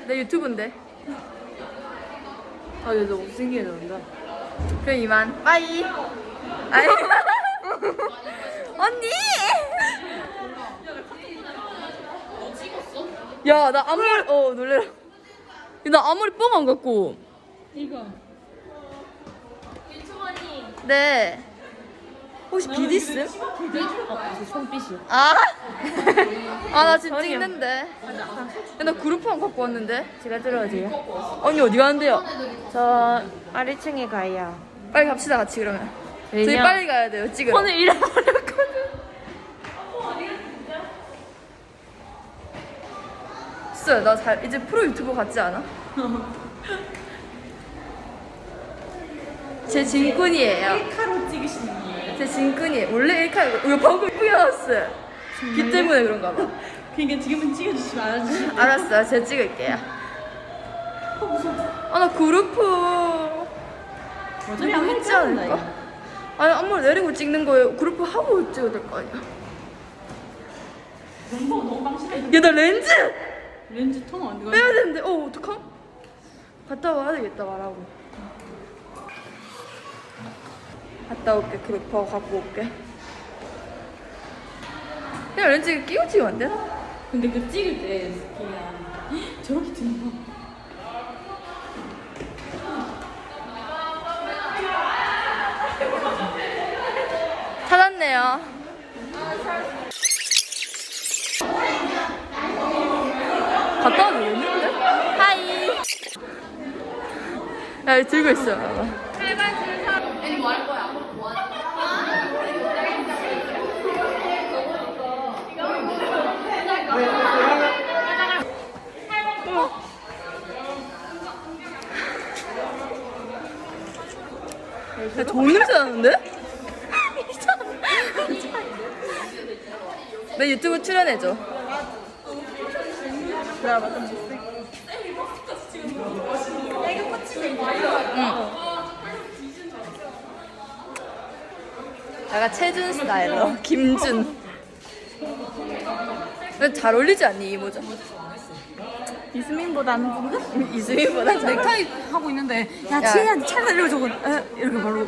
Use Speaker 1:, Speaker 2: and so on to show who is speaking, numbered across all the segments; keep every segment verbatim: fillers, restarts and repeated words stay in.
Speaker 1: 내 유튜브인데.
Speaker 2: 아, 얘 너무 못생겨졌다.
Speaker 1: 그럼 이만. 빠이. 아이. 언니. 야, 나 앞머리 어 놀래라. 나 앞머리 뻥 안 갖고.
Speaker 2: 이거.
Speaker 1: 네. 혹시 비디 있음?
Speaker 2: 아, 저 손빛이요.
Speaker 1: 아. 아, 나 지금
Speaker 2: 저기요.
Speaker 1: 찍는데. 야, 나 그룹판 갖고 왔는데.
Speaker 2: 제가 들어가세요.
Speaker 1: 언니 어디 가는데요?
Speaker 2: 저 아래 층에 가요.
Speaker 1: 빨리 갑시다 같이 그러면. 저희
Speaker 2: 왜냐?
Speaker 1: 빨리 가야 돼요. 찍으러.
Speaker 2: 오늘 잃어버렸거든.
Speaker 1: 진짜 나 잘 이제 프로 유튜버 같지 않아? 제 진꾼이에요.
Speaker 2: 카로 찍으시는 거예요?
Speaker 1: 제 진꾼이에요. 원래 일카 이거 방금 뿌려놨어요. 비 때문에 그런가 봐.
Speaker 2: 그러니까 지금은 찍어주시면 안 해주세요.
Speaker 1: 알았어요. 제가 찍을게요. 아, 나 그룹프
Speaker 2: 어차피 안
Speaker 1: 있지 않을까? 아니 앞머리 내리고 찍는 거예요. 그룹프 하고 찍어야 될 거 아니야.
Speaker 2: 너무 너무 방실해.
Speaker 1: 야, 나 렌즈
Speaker 2: 렌즈 통 안
Speaker 1: 빼야 되는데. 어, 어떡함? 갔다 와야 되겠다 말하고. 갔다 올게. 그룹퍼 갖고 올게. 그냥 렌즈 끼고 찍으면 안 되나?
Speaker 2: 근데 그 찍을 때 그냥 저렇게 찍는 거.
Speaker 1: 찾았네요. 갔다 와도 되는데? 하이. 야, 이거 들고 있어. 봐봐. 야, 좋은 냄새 나는데? 내 유튜브 출연해줘. 응. 내가 최준 스타일로 김준. 근데 잘 어울리지 않니 이 모자?
Speaker 2: 이스민보다는 뭔가?
Speaker 1: 이수민보다 잘 어울려.
Speaker 2: 넥타이 하고 있는데 야
Speaker 1: 야.
Speaker 2: 지혜야 차 달리고 저거 에? 이렇게 바로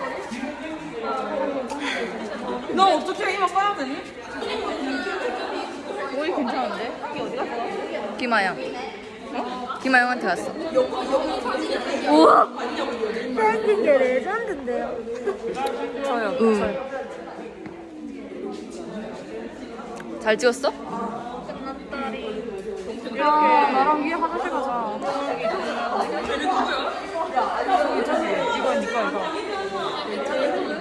Speaker 2: 너 어떻게 이만 빠야 되니?
Speaker 1: 머리 괜찮은데? 김아영. 어? 김아영한테 갔어. 우와.
Speaker 3: 사진 게 레전드인데요.
Speaker 2: 저요
Speaker 1: 응. 잘 찍었어?
Speaker 2: 야 나랑 위에 화장실 가자 저기 저기 이거 이거 이거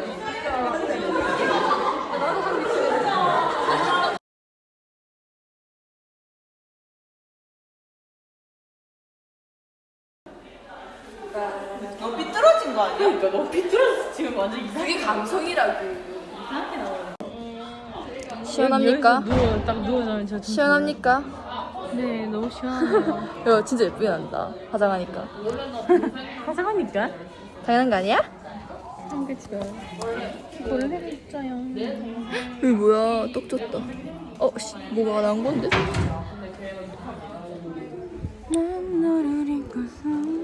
Speaker 2: 너 삐뚤어진 거 아니야? 그러니까 너 삐뚤어졌어 지금 완전 이상해
Speaker 1: 그게 감성이라고.
Speaker 2: 이상하게 나와
Speaker 1: 시원합니까?
Speaker 2: 누워 딱 누워자면 저 진짜
Speaker 1: 시원합니까?
Speaker 2: 네 너무 시원하네요
Speaker 1: 야, 진짜 예쁘게 난다. 화장하니까.
Speaker 2: 화장하니까?
Speaker 1: 당연한 거 아니야?
Speaker 2: 한 그치 원래 있어요
Speaker 1: 이거 뭐야? 떡 졌다. 어, 씨, 뭐가 나온 건데?
Speaker 2: 난 너를 잊고서